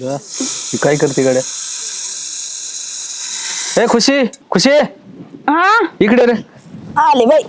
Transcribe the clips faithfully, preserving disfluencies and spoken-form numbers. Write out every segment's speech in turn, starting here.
ही काय करते गड्या? ए खुशी खुशी हा इकडे रे. आले बाई.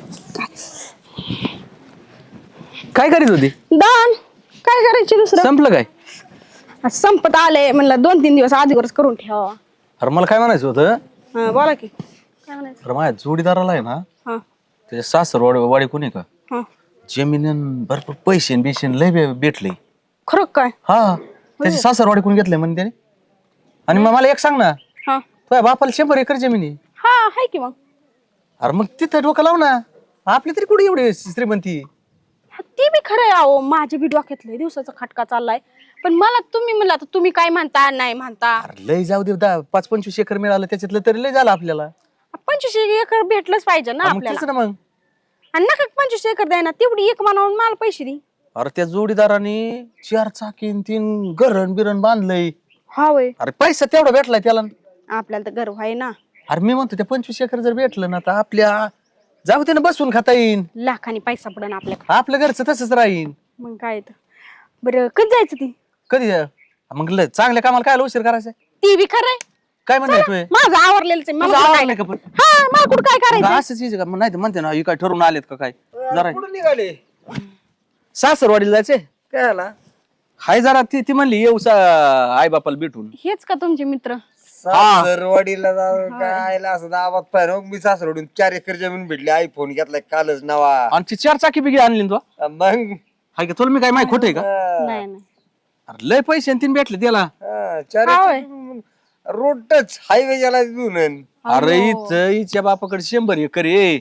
काय करीत होती? दान काय करायचे दुसरं? संपलं काय? आज संपत आले म्हणलं दोन तीन दिवस आधीवरच करून ठेवा. अरे मला काय म्हणायचं होतं, हा बोला की काय म्हणायचं? अरे माझ्या जोडीदाराला आहे ना हा त्याच्या सासर वाडी वाडी कोणी का हा जमीन भरपूर पैसे बिशेन लय बे- भेटले. खरं काय? हा त्याची सासरवाडी कोण घेतलंय म्हणे त्याने. आणि मग मला एक सांग ना, हा तुझ्या बापाला शंभर एकर जमीन आहे. हा हाय की मग. अरे मग तिथं डोकं लाव ना. आपली तरी कुठे एवढी श्रीमंती. हा, ती बी खरं आहे अहो. माझ्या बी डोक्यातलं दिवसाचा खटका चाललाय. पण मला तुम्ही म्हणला तर तुम्ही काय म्हणता नाही म्हणता. अरे लय जाऊ दे, दहा पाच पंचवीस एकर मिळालं त्याच्यातलं तरी लय झालं आपल्याला. पंचवीस एकर भेटलंच पाहिजे ना हा, मग आपल्याला. तेच ना मग. आणि नका पंचवीस एकर द्याय ना तेवढी एक मानावून मला पैसे दे. अरे त्या जोडीदाराने चार चाकीन तीन गरण बिरण बांधलंय. हा वय अरे पैसा तेवढा भेटलाय त्याला. आपल्याला तर गर्व आहे ना. अरे मी म्हणतो त्या पंचवीस एकर जर भेटलं ना तर आपल्या जाऊ दे ना, बसून खाता येईन. लाखानी पैसा पडन आपल्याकडे. आपल्या घरचं तसंच राहीन. मग काय तर बरं कधी जायचं ती? कधी मग लय चांगल्या कामाला काय उशीर करायचा? ती बी खरंय. काय म्हणायचं तुझे? माझं आवरलेलंच आहे. मला तुझं कुठं काय आवडलंय का पण? हा मला कुठं काय करायचं? असंच यायचं का? मग नाही तर म्हणते ना, ही काय ठरवून आलेत का काय? जरा कुठं निघाले? सासरवाडीला जायचे. काय आला? हाय जरा ती ती म्हणली येऊ आई बापाला भेटून. हेच का तुमचे मित्र? सासरवाडीला जाऊन काय आयला असं दाबात पाहिजे. मी सासरवाडीन चार एकर जमीन भेटली. आयफोन घेतलाय कालच नवा. आणि ती चार चाकी बिगी आणली ना तू. मग हाय का तुला मी काय माहिती खोटं आहे का? नाही नाही अरे लय पैसे आणि तीन भेटले त्याला. हा, चार हा होय. एकर रोड टच हायवे ज्याला देऊन अरे इथं हिच्या बापाकडे शंभर एकर आहे.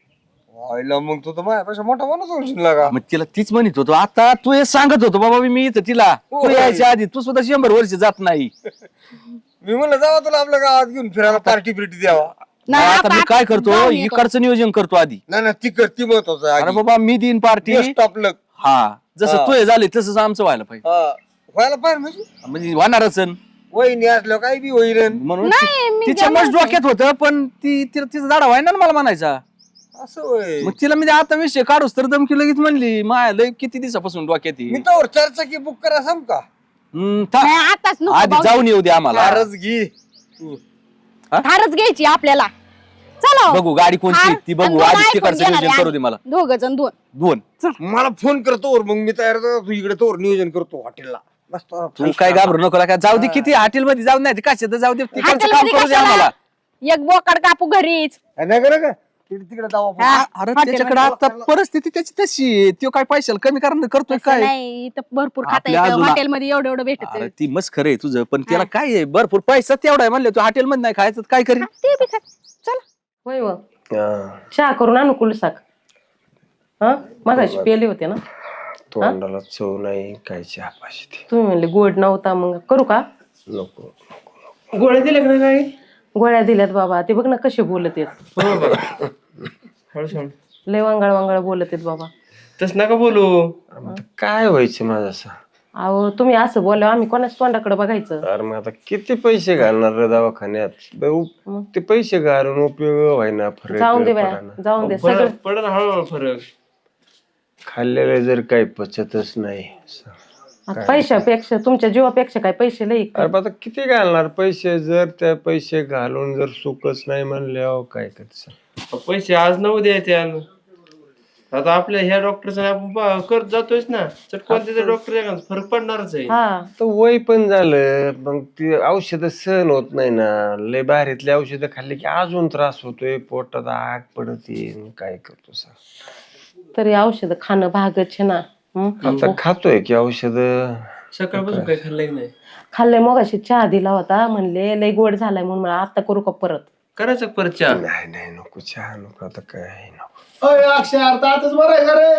आयला मग तू तर माझ्यापेक्षा मोठा माणूस होशील ना का? मग तिला तीच म्हणत होतो. आता तू हे सांगत होतो बाबा मी इथं तिला तू होय. यायच्या आधी तू सुद्धा शंभर वर्ष जात नाही. मी म्हणलं जावा तुला आपल्या गावात घेऊन फिरायला पार्टी बिर्टी द्यावा. नाही, आता आता मी काय आपण करतो, जाऊन येतो. इकडचं नियोजन करतो आधी. नाही ना ती कर ती महत्वाचं आहे अरे आधी. बाबा मी देईन पार्टी. Best आपलं हा जसं हा. तू हे झाले तसंच आमचं व्हायला पाहिजे. हा. व्हायला पाहिजे म्हणजे म्हणजे होणारच आहे. वहिनी असल्यावर काय बी होईल. म्हणून नाही, मी ती- तिच्या देणार मस्त डोक्यात होतं, पण ती तिला तिचा दाडा व्हायना ना मला म्हणायचा. असं होय. मग तिला मी ते आता विषय काढूस तर दमकी लगेच म्हणली माया लय किती दिवसापासून डोक्यात मी आहे. तर चारचाकी बुक करा सांग का? हम्म, था- नाही, आताच नको आधी भाऊ. जाऊन येऊ दे आम्हाला. फारच घे तू. थारच घ्यायची आपल्याला. चला बघू गाडी कोणती ती बघू आधी तिकडचं नियोजन करू दे मला. दोघ जण दोन. दोन मला फोन करतो मग मी तयार होतो. तू इकडे तोर नियोजन करतो हॉटेलला. मस्त तू काय घाबरू नको का जाऊ दे किती हॉटेल मध्ये जाऊ नाही कशात जाऊ दे तिकडचं काम हॉटेलमध्ये करू दे कशाला? आम्हाला. एक बोकड कापू घरीच. नाही करा का तिकडे तिकडे जाऊ आपण. हा. अरे हॉटेलमध्ये त्याच्याकडे आता परिस्थिती त्याची तशी आहे. तो काय पैशाला कमी करणार करतोय तसं काय? नाही इथं भरपूर खाता आपल्या येतं. अजून- हॉटेलमध्ये एवढं एवढं भेटत. अरे ती मस्त खरं आहे तुझं, पण त्याला काय आहे भरपूर पैसा तेवढा आहे म्हणले तू हॉटेल मध्ये नाही खायचं तर काय करीन? ते बी खा. चला होय व हा. चहा करून आणू कुलसाक. हा मगाशी पेले होते ना. तोंडाला चव नाही काय चहा पाहिजे तुम्ही म्हणले गोड नव्हता, मग करू का? नको. गोळ्या दिल्या का काय? गोळ्या दिल्यात बाबा. ते बघ ना कसे बोलत आहेत. हळू सांग. लय वांगळ वांगळ बोलत आहेत बाबा. तस नका बोलू. आता काय व्हायचं माझं असं? अहो तुम्ही असं बोला आम्ही कोणाच तोंडाकडे बघायचं. अरे मग आता किती पैसे घालणार रे दवाखान्यात? ब- ते पैसे घालून उपयोग व्हायना. फरक जाऊन दे बाया, पडाना. जाऊन दे सगळं. फरक पडन हळूहळू फरक. खाल्लेलं जर काही पचतच नाही. आता पैशापेक्षा तुमच्या जीवापेक्षा काय पैसे लई. अरे आता किती घालणार पैसे? जर त्या पैसे घालून जर सुखच नाही म्हणल्यावर काय करायचं? पैसे आज नऊ द्यायचे आणि आता आपल्या ह्या डॉक्टरचा आपण पा- करत जातोयच ना. चटकन त्याच्या डॉक्टर फरक पडणारच आहे. हा तर वय पण झालं, मग ती औषधं सहन होत नाही ना. लय बाहेरीतली औषधं खाल्ली की अजून त्रास होतोय, पोटात आग पडत येईल. काय करतो सांग? तरी औषध खाणं भागच आहे ना. हं? आता खातोय की औषध. सकाळपासून काही खाल्लंय की नाही? खाल्लंय मगाशी चहा दिला होता, म्हणले लय गोड झालाय म्हणून मला आता करू का परत? करायचं का परत चहा? नाही नाही नको चहा नको. आता काय नको. अय अक्षय अर्धा आताच बरं आहे का रे?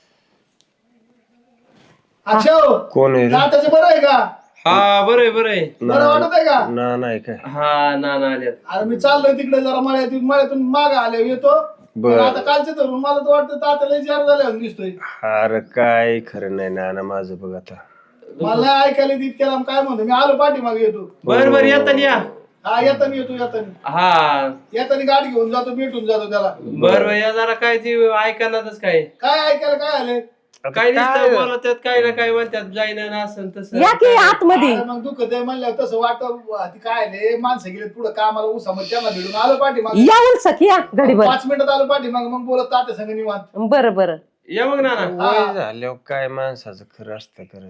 अक्षय कोण आहे रे? आताच बरं आहे का? हा बरं आहे बरं आहे. बरं वाटत आहे का? ना नाही काय. हा ना ना आल्यात. अरे मी चाललोय तिकडे जरा मळ्यातून मळ्यातून माग आले येतो. बर. पण आता कालचे धरून मला तर वाटतं तात्याला जार झाल्या दिसतोय. अरे काय खरं नाही ना ना माझं बघ आता. मला नाही ऐकायला तितक्याला काय म्हणतो मी आलो पाठीमागे येतो. बरं बरं येता या. हा येताना येतो येताना हा येताना गाडी घेऊन जातो भेटून जातो त्याला. बरं बरं या जरा काय ती ऐकणारच काय. काय ऐकायला काय आले? काय काय- नुसतं बोला त्यात काय ना काय म्हणतात जाईना ना असं तसं या की आतमध्ये अरे मग दुःख ते म्हणलं तसं वाटत काय नाही माणसं गेले पुढे कामाला उसामध्ये त्यांना भेटून आलो पाठीमाग यावं सखी या घडीभर पाच मिनिटात आलो पाठीमाग मग बोलत तात्या संग निवांत बरं बरं या मग ना वय झाल्यावर काय माणसाचं खरं असतं खरं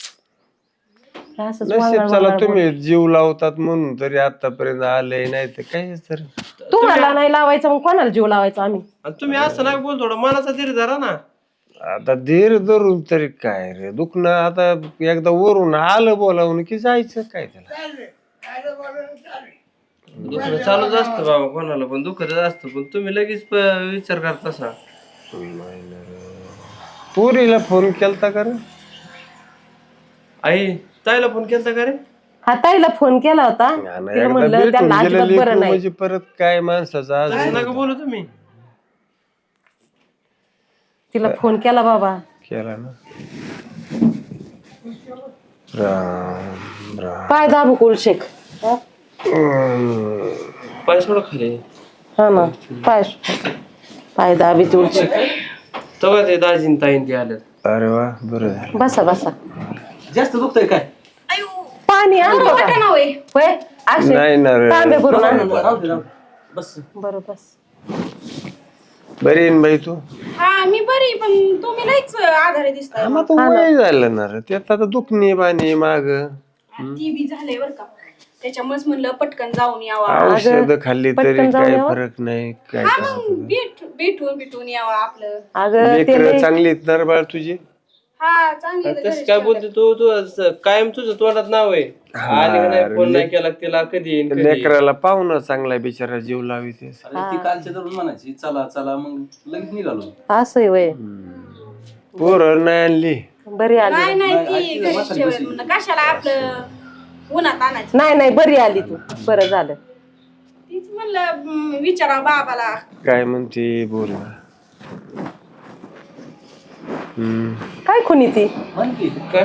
असंच नशीब वांगळ चला वांगळ तुम्ही जीव लावतात म्हणून तरी आतापर्यंत आले नाही तर काय तर बोल. तुम्हाला नाही लावायचं मग कोणाला जीव लावायचा आम्ही तुम्ही असं ना बोल थोडं मनाचा धीर धरा ना. आता धीर धरून तरी काय रे दुखणं आता एकदा वरून आलं बोलावून की जायचं काय त्याला दुखणं चालूच असतं बाबा कोणाला पण दुखतच असतं पण तुम्ही लगेच प- विचार करता तसा. पुरीला फोन केलता का रे आई ताईला फोन केलता का रे? हा ताईला फोन केला होता आणि तिला एकदा म्हणलं भेटून त्यांना गेलं अजिबात लेकरू बरं नाही म्हणजे परत काय माणसाचं आज असं नका बोलू तुम्ही. तिला फोन केला बाबा केला ना राम राम पाय दाबू कुलशेख हा पाय सोडा खाली. हा ना पाय पाय दाबी तुळशेख तेव्हा ते दाजीन ताईन ते आले. अरे वा बरं झालं बसा बसा जास्त दुखतंय काय पाणी आणतो का ना होय होय असे नाही ना रे. तांबे भरून आण राहू दे, राहू दे. बस बरं बस बरी आहे ना बाई तू हा मी बरी पण तुम्ही लईच आधारे दिसताय मग आता वय झालं ना रे त्यात आता दुखणे बाणी माग ती बी झालंय बर का त्याच्यामुळेच म्हणलं पटकन जाऊन यावा औषध खाल्ली तरी पटकन जाऊन काय यावं. फरक नाही काय हा मग भेट भेटून भेटून यावा आपलं अगं ते लेकर लय- चांगली आहेत ना रे बाळ तुझी हा चांगली तसं काय बोलते तू तू असं कायम तुझं तोंडात नाव आहे. आली का नाही फोन नाही केला तिला कधी येईन कधी येईन. लेकराला पाहुणं चांगला बिचारा जीव लावित अरे ती कालच्या धरून म्हणायची चला चला मग लगेच निघालो. असं आहे वय पोर नाही आणली बरी आली नाही नाही ती घरीच ठेवत म्हणलं कशाला आपलं उन्हात आणायचं नाही नाही बरी आली तू बरं झालं तीच म्हणलं हम्म, विचारा बाबाला काय म्हणते बोल ना हम्म काय खुनी ती म्हण की काय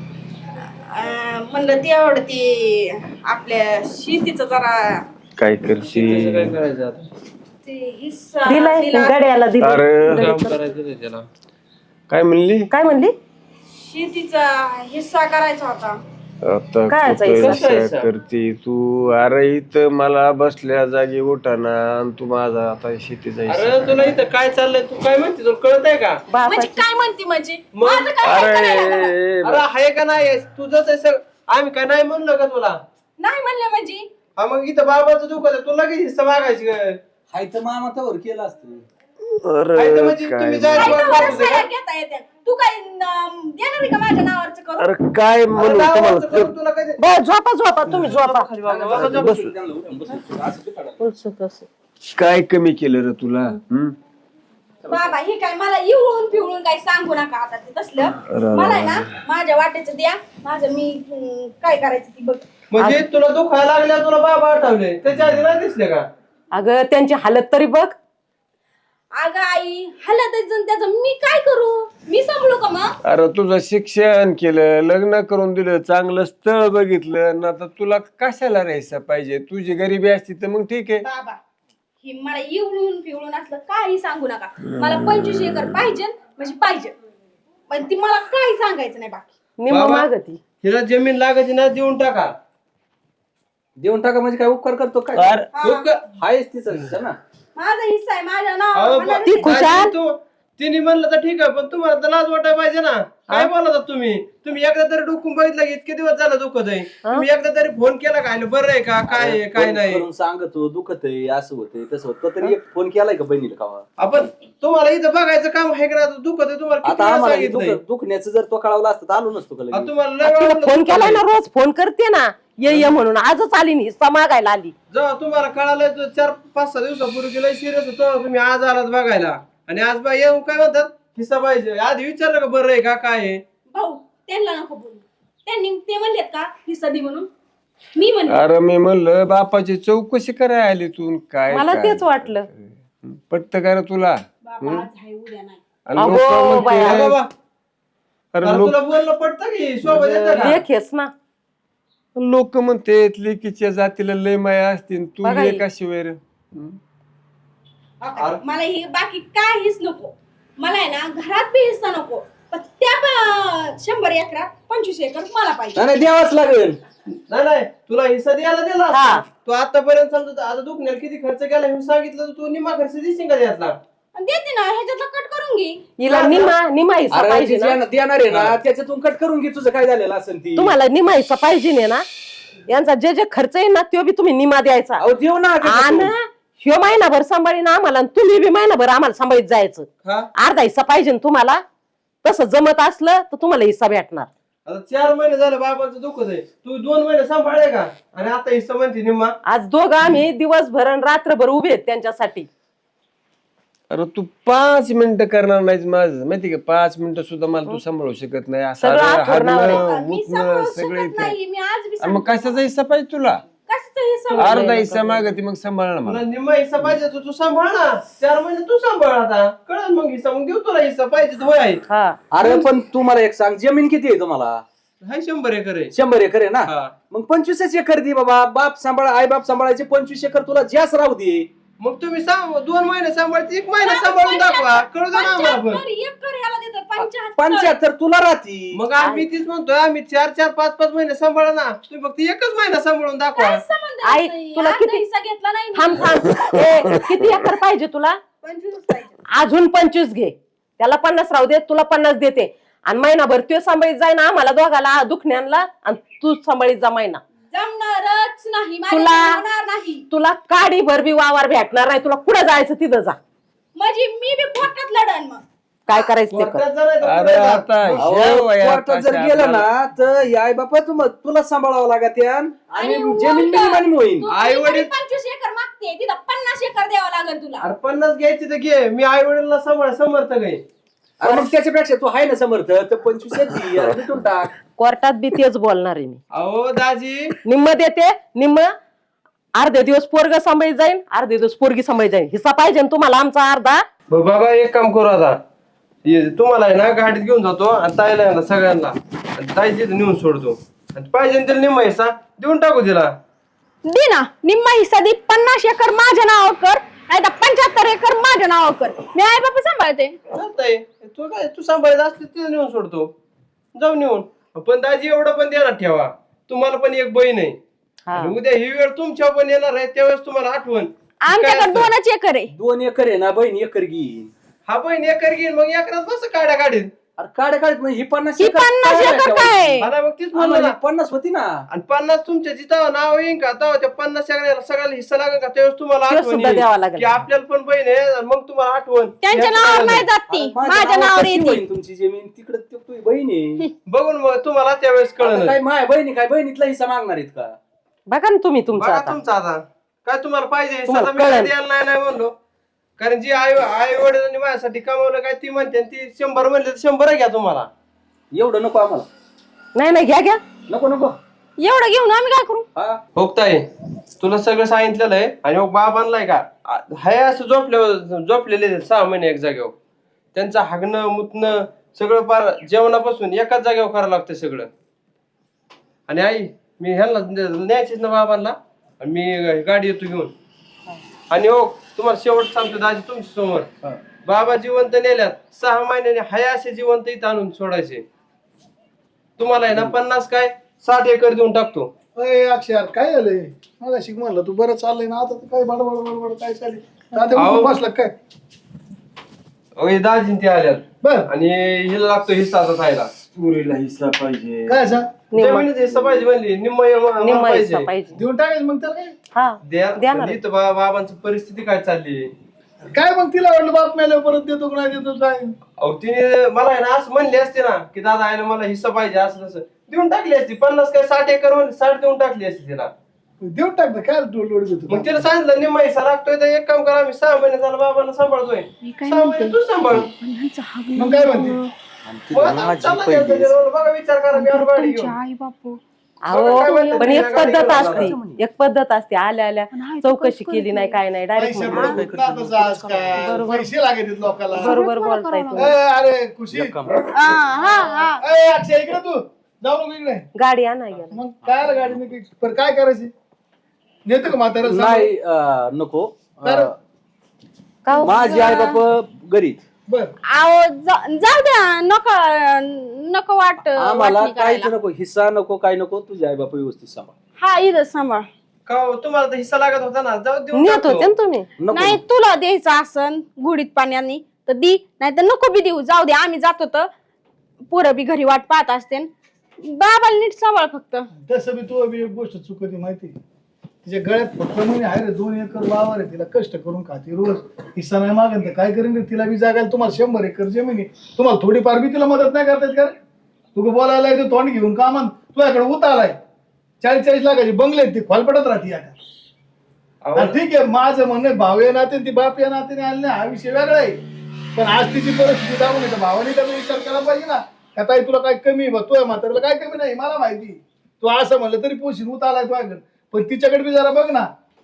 अं, म्हणलं तेवढं ते आपल्या शेतीचं जरा काय त्याचं करते काय करायचं आता? ते हिस्सा दिलाय दिला गड्याला दिला अरे काम करायचं नाही त्याला. काय म्हणली काय म्हणली शेतीचा हिस्सा करायचा होता आता काय कुठं जायचं? असं जायचं? करते तू अरे इथं मला बसल्या जागी उठाना आणि तू माझा आता शेतीचा हिस्सा अरे तुला इथं काय चाललंय तू काय म्हणते तुला कळत आहे का? बापा म्हणजे काय म्हणते म्हणजे मग- माझं काय काय करायला लागलं? अरे अरे आहे का नाही तुझंच आहे सग आम्ही काय नाही म्हणलो का तुला? नाही म्हणलं म्हणजे हा मग इथं बाबाचं दुखत आहे तुला लगेच हिस्सा मागायची काय? हाय तर मामा त्यावर केलं असतं. आहे तर अरे म्हणजे काय तुम्ही जायचं वाट काय पाहत तर होते सह्या का? घेता येत्या. तू काय अं, देणार आहे का माझ्या नावावरचं करून अरे काय अरे म्हणू नावाचं तुम्हाला करून तुला काय बरं झोपा झोपा तुम्ही झोपा बाबा जा बस. त्यांना उठून बसू. असं ते काढा. उलसक असं. काय कमी केलं रे तुला हम्म? बाबा हे काय मला इवळून पिवळून काही सांगू नका आता ते तसलं मला आहे ना माझ्या वाट्याचं द्या माझं मी अं, काय करायचं ती बघ म्हणजे तुला दुखायला लागल्या तुला बाबा आठवले त्याच्या आधी नाही दिसले का? अगं त्यांची हालत तरी बघ अगं आई हलत त्याचं मी काय करू मी सांभाळू का मग अरे तुझं शिक्षण केलं लग्न करून दिलं चांगलं स्थळ बघितलं ना तर तुला कशाला राहायचं पाहिजे तुझी गरिबी असती तर मग ठीक आहे बाबा हे मला इवळून पिवळून असलं काही सांगू नका मला पंचवीस एकर पाहिजे म्हणजे पाहिजे पण ती मला काही सांगायचं नाही बाकी निम्म बाबा. मागती हिला जमीन लागायची ना देऊन टाका. देऊन टाका म्हणजे काय उपकार करतो काय अरे उपकार- हायच तिचा हिस्सा ना. माझा हिस्सा आहे माझ्या अहो, नावावर ब- मला ती खुशाल. दाजी, तू तिने म्हणलं तर ठीक आहे पण तुम्हाला तर लाज वाटायला पाहिजे ना काय बोलता तुम्ही तुम्ही एकदा तरी डुकून बघितलं की इतके दिवस झालं दुखत आहे तुम्ही एकदा तरी फोन केला काय बरं आहे का काय आहे काय फोन नाही करून सांगतो दुखत आहे असं होतंय तसं होतं तरी एक फोन केलाय का बहिणीला कावा आपण तुम्हाला इथं बघायचं काम आहे का नाही? दुखत आहे तुम्हाला किती आता वेळा आम्हाला हे सांगितलंय? दुख- दुखण्याचं जर तो कळवला असतं तर आलो नसतो का आता लगेच? तुम्हाला लय वेळा तिला म्हणलं फोन दुखत केलाय ना आहे. रोज फोन करते ना ये ये म्हणून आजच आली नाही हिस्सा मागायला आली जेव्हा तुम्हाला कळालं तर चार पाच सहा दिवसापूर्वी लय सिरियस होतो तुम्ही आज आलात बघायला आणि आज बा येऊन काय म्हणतात हिस्सा पाहिजे आधी विचारलं का बरं आहे का काय आहे भाऊ त्यांना नको बोलू त्यांनी ते म्हणलेत का हिस्सा दे म्हणून मी म्हणले अरे मी म्हणलं बापाची चौकशी करायला आली तू काय मला काय? तेच वाटलं पटत का रे तुला बाबा आज आहे उद्या नाही आणि अगो लोकं बाया. म्हणते- हा बाबा अरे अरे लोक तुला बोलणं पडतं की शोभा देतं का? लेख हेच ना लोक म्हणते लेकीच्या जातीला लय माया असतील तू बघा एक हे. अशी वेर आता मला हे बाकी काहीच नको मला आहे ना घरात बी हिस्सा नको पण अं, शंभर एकरात पंचवीस एकर मला पाहिजे. नाही, नाही द्यावाच लागेल. नाही नाही तुला हिस्सा द्यायला दिला हा. असता. तू आतापर्यंत समजा आता दुखण्याला किती खर्च केला हे सांगितलं तर तू निम्मा खर्च देशील का त्यातला? आणि देते ना ह्याच्यातला कट करून घे. हिला निमा निमा हिस्सा अरे पाहिजे ती ना ज्या- देणार आहे ना त्याच्यातून कट करून घे तुझं काय झालेलं असेल ती. तुम्हाला निमा हिस्सा पाहिजे नाही ना यांचा जे जे खर्च आहे ना तो बी तुम्ही निमा द्यायचा अहो देऊ ना आणि त्याच्यातून. ह्यो महिनाभर सांभाळीन आम्हाला आणि तुम्ही बी महिनाभर आम्हाला सांभाळीत जायचं. हा अर्धा हिस्सा पाहिजे ना तुम्हाला. तसं जमत असलं तर तुम्हाला हिस्सा भेटणार. आता चार महिने झाले बाबाचं दुखत आहे तू दोन महिने सांभाळले का आणि आता हिस्सा म्हणते निम्मा. आज दोघं आम्ही दिवसभर आणि रात्रभर उभे आहेत त्यांच्यासाठी. अरे तू पाच मिनिटं करणार नाहीस माझं माहिती का पाच मिनिटं सुद्धा मला तू सांभाळू शकत नाही असं सगळं अरे आठवणावर आहे. हागणं, मी मुतणं सांभाळू सगळे शकत नाही. मी आज बी अरे मग कशाचा हिस्सा पाहिजे तुला कशाचा हिस्सा अर्धा हिस्सा मागती मग सांभाळ मला तुला निम्मा हिस्सा पाहिजे तर तू सांभाळ ना चार महिने तू सांभाळ आता कळलं मग हिस्सा मग देऊ तुला हिस्सा पाहिजे तर आहे हा अरे पण तू मला एक सांग जमीन किती आहे तुम्हाला? हाय शंभर एकर आहे. शंभर एकर आहे ना हा. मग पंचवीसच एकर दे बाबा. बाप सांभाळ आई बाप सांभाळायचे पंचवीस एकर तुला जास्त राहू दे. मग तुम्ही सांग दोन महिने सांभाळते एक महिना सांभाळून दाखवा कळू दे ना आम्हाला पण. पंच्याहत्तर एकर ह्याला देतात. पंच्याहत्तर. पंच्याहत्तर तुला राहती. मग आम्ही तीच म्हणतोय आम्ही चार चार पाच पाच महिने सांभाळा ना तुम्ही फक्त एकच महिना सांभाळून दाखवा. काहीच संबंध आई, नाही. तुला अर्धा किती- हिस्सा घेतला नाही मी. थांब थांब ए, किती एकर पाहिजे तुला? पंचवीसच पाहिजे. अजून पंचवीस घे. त्याला पन्नास राहू दे तुला पन्नास देते आणि महिनाभर तो सांभाळीत जाय ना आम्हाला दोघाला दुखण्याला आणि तू सांभाळीत जा महिना. जमणारच नाही. माझ्या तुला- जमणार नाही. तुला काडी भर बी वावर भेटणार नाही. तुला कुठं जायचं तिथं जा. म्हणजे मी बी कोर्टात लढन मग. काय करायचं ते कर. कोर्टात जाणार का अरे पुढे जा? आता अहो, ह्या वयात कोर्टात जर अशा गेलं ना आपल्याला- तर आई बापा तुम तुला सांभाळावं लागत आणि आणि जमीन उलटं, मिनिमम होईल. तू आई वडील- तरी पंचवीस एकर मागते तिथं पन्नास एकर द्यावं लागेल तुला. अरे पन्नास घ्यायची तर घे मी आई वडिलांना सांभाळ समर्थक आहे. अरे मग त्याच्यापेक्षा तू आहे ना समर्थ तर पंचवीस दे आणि भेटून टाक. कोर्टात बी तेच बोलणार आहे मी. अहो दाजी निम्म देते निम्म अर्धे दिवस पोरग सांभाळीत जाईन अर्धे दिवस पोरगी सांभाळीत जाईन. हिस्सा पाहिजे ना तुम्हाला आमचा अर्धा. ब- बाबा एक काम करू आता ये- तुम्हाला आहे ना गाडीत घेऊन जातो आणि ताईला आहे ना सगळ्यांना आणि ताई तिथं नेऊन सोडतो आणि पाहिजे ना तिला निम्मा हिस्सा देऊन टाकू तिला. दे ना निम्मा हिस्सा दे. पन्नास एकर माझ्या नावावर कर नाही तर पंच्याहत्तर एकर माझ्या नावावर कर. मी आई बापा सांभाळते. चालतंय तू काय तू सांभाळत असली तिला नेऊन सोडतो जाऊ नेऊन. पण दाजी एवढं पण देणार ठेवा तुम्हाला पण एक बहीण आहे हा. आणि उद्या ही वेळ तुमच्या पण येणार आहे त्यावेळेस तुम्हाला आठवण काय आमच्याकडे असतं? दोनच एकर आहे. दोन एकर आहे ना बहीण एकर घेईन. हा बहीण एकर घेईन मग एकरात बस काढ्या काढीत अरे काढ काढ मग ही पन्नास ही एकर पन्नास काय एकर ठेवायची? काय? मला मग तीच म्हणलं आम्हाला ना. ही पन्नास होती ना. आणि पन्नास तुमच्या जिथं नाव येईन का तेव्हा त्या पन्नास एकराला सगळ्याला हिस्सा लागेल का त्यावेळेस तुम्हाला ते आठवण सुद्धा येईल द्यावा लागेल. की आपल्याला पण बहीण आहे आणि मग तुम्हाला आठवण त्यांच्या या नावावर सगळ्याला. नाही जात ती अरे माझ्या नावावर कशी येते. होईन तुमची जमीन तिकडे तुझी बहीण आहे. बघून मग तुम्हाला त्यावेळेस आता कळलं काय माय बहिणी काय बहिणीतला हिस्सा मागणार आहेत का? बघा ना तुम्ही तुमचं बघा आता. तुमचा आता काय तुम्हाला पाहिजे हिस्सा तुम्हाला तर मी काय कळलं. द्यायला नाही नाही म्हणलो कारण जी आई आई वडिलांनी माझ्यासाठी कमावलं काय ती म्हणते आणि ती शंभर म्हणले तर शंभर घ्या तुम्हाला. एवढं नको आम्हाला. नाही नाही घ्या घ्या. नको नको. एवढं घेऊन आम्ही काय करू? हा होताय तुला सगळं सांगितलेलं आहे आणि मग बाप आणलाय का आ- हाय असं झोपल्या झोपलेले आहेत सहा महिने एक जागेवर त्यांचं हागणं मुतणं सगळं पार जेवणापासून एकाच जागेवर करावं लागतं सगळं. आणि आई मी ह्यांना न्यायचीच ना बाबांना आणि मी गाडी येतो घेऊन. आणि हो तुम्हाला शेवट सांगतो दाजी तुमच्या समोर बाबा जिवंत नेल्यात सहा महिन्याने हाय असे जिवंत इथं आणून सोडायचे. तुम्हाला आहे ना पन्नास काय साठ एकर देऊन टाकतो. अय अक्षर काय झालंय मला शिक म्हणलं तू बरं चाललंय ना आता तर काय बडबड बडबड काय चालली आता अहो. उठून बसला काय अहो, दाजीन ते आल्यात बर आणि हिला लागतो हिस्सा आता खायला. पुरीला हिस्सा पाहिजे काय सांग निम्म जमिनीचा हिस्सा पाहिजे म्हणली निम्म निम्म पाहिजे हिस्सा पाहिजे. देऊन टाकायचं मग त्याला काय हा द्या देणार. इथं बा- बाबांची परिस्थिती काय चालली. काय मग तिला वाटलं बाप मेल्या परत देतो का नाही देतो काय अहो तिने मला आहे ना असं म्हणली असते ना की दादा आहे ना मला हिस्सा पाहिजे असं तसं देऊन टाकली असती. पन्नास काय साठ एकर म्हणली साठ देऊन टाकली असती तिला. देऊन टाक ना काय लोड लोड देतो मग तिला सांगितलं निम्मा हिस्सा लागतोय तर एक काम करा आम्ही सहा महिने झालं बाबांना सांभाळतोय सहा महिने तू सांभाळ. मग काय म्हणते मग आता चालला गेलं त्याच्यावर. बघा विचार करा मी आलो गाडी घेऊन. आई बापू अहो काय म्हणतात पण ते एक गाडी पद्धत घेऊन असते एक पद्धत असते आल्या आल्या चौकशी केली नाही काय नाही डायरेक्ट पैसे म्हणलं. बरोबर नातंच आजकाल. बरोबर. पैसे लागत लोकांना बरोबर बोलताय तुम्ही. ए, अरे खुशी एक काम. हा हा हा ए, अक्षय इकडे तू जाऊ नको इकडे गाडी आणा गेला. मग काय आलं गाडी नाही पण काय करायची नेतो का म्हातारा नाही अं, नको बरं. अं, का हो? माझी आई बाप गरीब बर आहो जा- जाऊ द्या नको नको वाट आम्हाला वाटणी काहीच करायला. नको, हिस्सा नको, काय नको, तुझे आई बाप व्यवस्थित सांभाळ. हा इथं सांभाळ. का हो, तुम्हाला तर हिस्सा लागत होता ना, जाऊ देऊन नेत टाकतो. होते ना तुम्ही. नको नाही तुला द्यायचं असन गुडीत पाण्याने तर दी, नाही तर नको बी देऊ, जाऊ दे आम्ही जातो तर पोरं बी घरी वाट पाहत असते. बाबाला नीट सांभाळ फक्त. तसं बी तू बी एक गोष्ट चुकती माहिती, तिच्या गळ्यात फक्त म्हणे आहे रे दोन एकर वावर आहे, तिला कष्ट करून खाते रोज, हिस्सा नाही मागेल तर काय करेन रे, तिला बी जागायला तुम्हाला शंभर एकर जमीन आहे, तुम्हाला थोडीफार बी तिला मदत नाही करता येत का रे? तू बोलायला येतो तोंड घेऊन का म्हण, तुझ्याकडे उत आलाय चाळीस चाळीस लाखाची बंगले आहेत, ती खोलपटत राहते आता. अहो, आणि ठीक आहे माझं म्हणणं भाव या नाते ती बाप या नात्याने आले नाही, हा विषय वेगळा आहे. पण आज तिची परिस्थिती दाखवून येतं, भावाने त्याचा विचार केला पाहिजे ना, का ताई तुला काय कमी बघ, तुझ्या म्हाताऱ्याला काय कमी नाही मला माहिती, तू असं म्हणलं तरी पोशीन उत आलाय तुझ्याकडे, पण तिच्याकडे बी जरा बघ ना,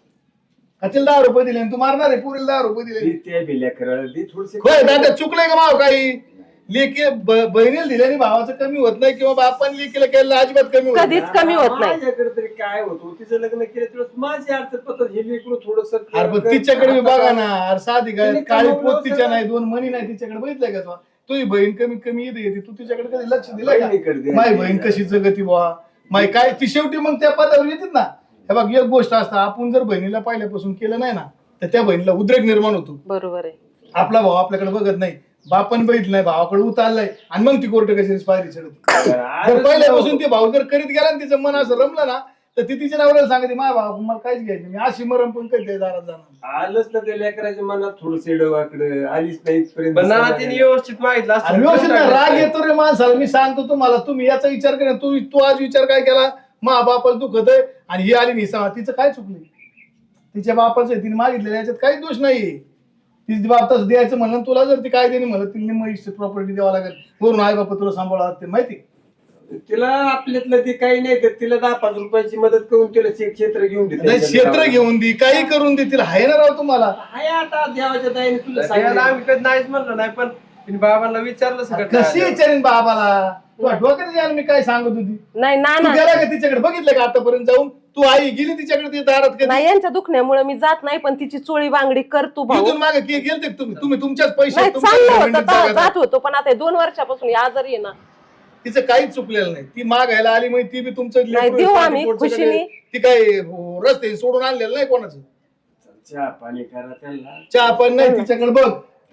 का तिला दहा रुपये दिले आणि तू मारणार आहे पुरीला दहा रुपये दिले. होय दादा चुकलंय का भाव काही, लेकी ब- बहिणीला दिल्याने भावाचं कमी होत नाही किंवा बापाने लेकीला केलं अजिबात कमी होत नाही. कधीच कमी होत नाही. माझ्याकडे तरी काय होतो, तिचं लग्न केलं तुला माझी अडचण पद्धत हे लेकरू थोडस अरे पण तिच्याकडे बी बघा ना, अरे साधी काय काळी पोत तिच्या नाही, दोन मणी नाही तिच्याकडे, बघितलंय का तू, तुझी बहीण कमीत कमी येते येते, तू तिच्याकडे कधी लक्ष दिलंय का? माझी बहीण कशी जगती बुवा, माय काय ती शेवटी मग त्या पदावर येतात ना. हे बघ एक गोष्ट असतं, आपण जर बहिणीला पहिल्यापासून केलं नाही ना तर त्या बहिणीला उद्रेक निर्माण होतो. बरोबर आहे. आपला भाऊ आपल्याकडे बघत नाही, बापन बघितलं नाही, भावाकडे उतारलाय आणि मग ती कोर्ट कशी पायरी चढत. जर पहिल्यापासून ते भाऊ जर करीत गेला तिचं मन असं रमलं ना तर ती तिच्या नवऱ्याला सांगते माझ्या भाऊ मला काहीच घ्यायचं मी अशी मरम पण कधी दारात जाणार. आलंच ना त्या लेकराच्या मनात थोडस वाकडं आलीच नाही इथपर्यंत. पण नाना तिने व्यवस्थित मागितलं आणि असतं. व्यवस्थित ना राग येतो रे माणसाला, मी सांगतो तुम्हाला, तुम्ही याचा विचार करा, तू तू आज विचार काय केला, मा बापाच दुखत आहे आणि ही आली निसा, तिचं काय चुकलं, तिच्या बापाचं तिने मागितलेलं याच्यात काही दोष नाहीये. तिच्या बाप तसं द्यायचं म्हणलं, तुला जर ती काय देणे म्हणलं तिने मग प्रॉपर्टी द्यावा लागेल, वरून आई बापा तुला सांभाळा लागते माहिती. तिला आपल्यातलं ते काही नाही तर तिला दहा पाच रुपयाची मदत करून तिला शे- क्षेत्र घेऊन नाही देते. क्षेत्र घेऊन दे, काही करून दे, तिला हाय ना राव तुम्हाला. हाय आता देवाच्या दयाने तुला त्याला सांगितलं. आम्ही कधी नाहीच म्हणलो नाही, पण तिने बाबांना विचारलं सगळं कशी काय. विचारेन बाबाला, तू डोक्यात यायला मी काय सांगत होती, नाही ना तू ना गेला का तिच्याकडे, बघितलं का आतापर्यंत जाऊन, तू आई गेली तिच्याकडे ती दारात कधी, नाही, यांच्या दुखण्यामुळे मी जात नाही, पण तिची चोळी बांगडी कर तू भाऊ. इथून मागे के- गेलते का तुम्ही तुम्ही तुमच्याच पैसे नाही तुमच्याच चाललं होतं जमिनीत तेव्हा जगात. जात होतो, पण आता हे दोन वर्षापासून हे आजारी आहे ना. तिचं काहीच चुकलेलं नाही, ती मागायला आली म्हणजे ती बी तुमचं नाही, लेकरू देऊ आहे, आम्ही पोटचं खुशीने. काय, ती काय हो, रस्ते सोडून आणलेलं नाही कोणाचं, चहा पाणी करा त्यांना. चहा पण नाही तिच्याकडे बघ.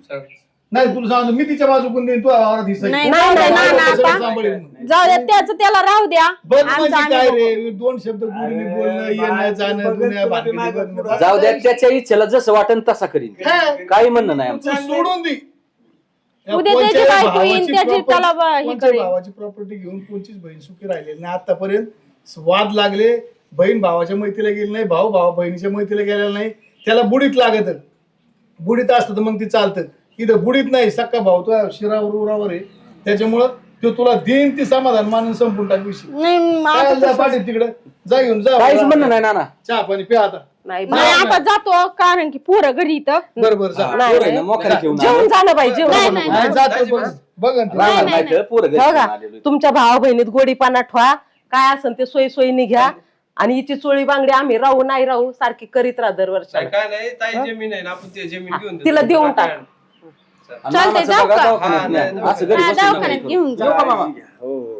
नाही तुला सांगतो मी तिच्या बाजूकडून देईन, तू आवारात हिस्सा घे. नाही नाही नाही, नाही, नाही, सगळं आता सांभाळीन. जाऊ द्या त्याचं त्याला राहू द्या. बघ आमचं म्हणजे आम्ही काय बघू. रे, दोन शब्द गुढीने बोलणं येणं जाणं दुनिया भानगडी बघणं. जाऊ द्या, त्याच्या इच्छेला जसं वाटेल तसा करीन, हा. काही म्हणणं नाही आमचं. तू सोडून दे. या उद्या त्याची कोणत्याही बायको येईन, भावाची त्याची property- त्याला ब- हे कोणत्याही करेल. भावाची प्रॉपर्टी घेऊन कोणचीच बहीण सुखी राहिलेली नाही आतापर्यंत. वाद लागले, बहीण भावाच्या मैत्रीला गेली नाही, भाऊ भाऊ बहिणीच्या मैत्रीला गेलेला नाही, त्याला बुडीत लागत, बुडीत असतं तर मग ती चालतं, इथं बुडीत नाही, सक्का भाऊ तो शिरावर उरावर आहे, त्याच्यामुळं तो तुला देईन ती समाधान मानून संपून टाक विषय. नाही काय आता जा तसं- पाठी तिकडे जा घेऊन जा, काहीच म्हणणं नाही नाना. चहा पाणी प्या आता. नाही नाही आता जातो, कारण की पोरं घरी इथं. बरोबर जा. नाही, पोरं आहे ना, मोकळी ठेवून जेवण आलो. झालं पाहिजे जेवण नाही, बनवून. नाही, नाही, नाही. जातो बघ बघ ना ती. रागाला नाही, नाही तर पोरं घरी बघा ठेवून आलेलो. तुमच्या भावा बहिणीत गोडीपाना ठेवा, काय असेल ते सोयी सोयीने घ्या, आणि हिची चोळी बांगडी आम्ही राहू नाही राहू सारखी करीत राहा दरवर्षी. काय काय नाही, ताई जमीन आहे ना, आपण ती जमीन घेऊन देतो. तिला देऊन टाक. आणि चालतंय, मामाचं जाऊ बघा का? दवाखान्यात हा, न्या. नाही, असं घरी हा, बसून नका दवाखान्यात करू. घेऊन जा. येऊ का मामा? हो हो.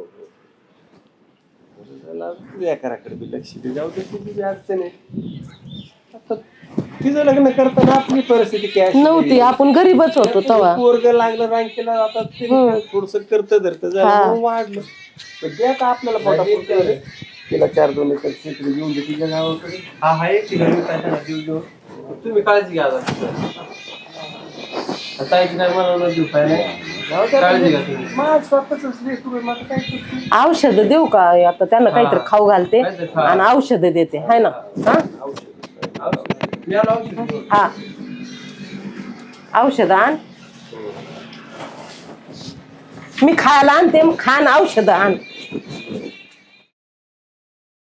त्याला लेकराकडे बी लक्ष दे, जाऊ दे, तिची बी अडचण आहे. आता तिचं लग्न करताना आपली परिस्थिती काय नव्हती, आपण गरीबच होतो तेव्हा. पोरग लागलं रांकेला, आता थोडस करत धरत हा. झालं वाढलं, पण ते आता आपल्याला पोटापुरतं आहे. तिला चार दोन एकर क्षेत्र घेऊन दे तिच्या गावाकडे. हा हा एक ठिकाणी काय त्यांना देऊ देऊ. तुम्ही काळजी घ्या आता. ताईची काय मला न देऊ काय नाही. काळजी घ्या तुम्ही. माझ स्वतःच लेकरू आहे, माझं काय करतो. औषध देऊ का आता त्यांना काहीतरी खाऊ घालते काहीतरी खा. आणि औषध देते, हाय ना. हा मी आलो औषध घेऊन. हा औषध आण, मी खायला आणते, मग खान औषध आण.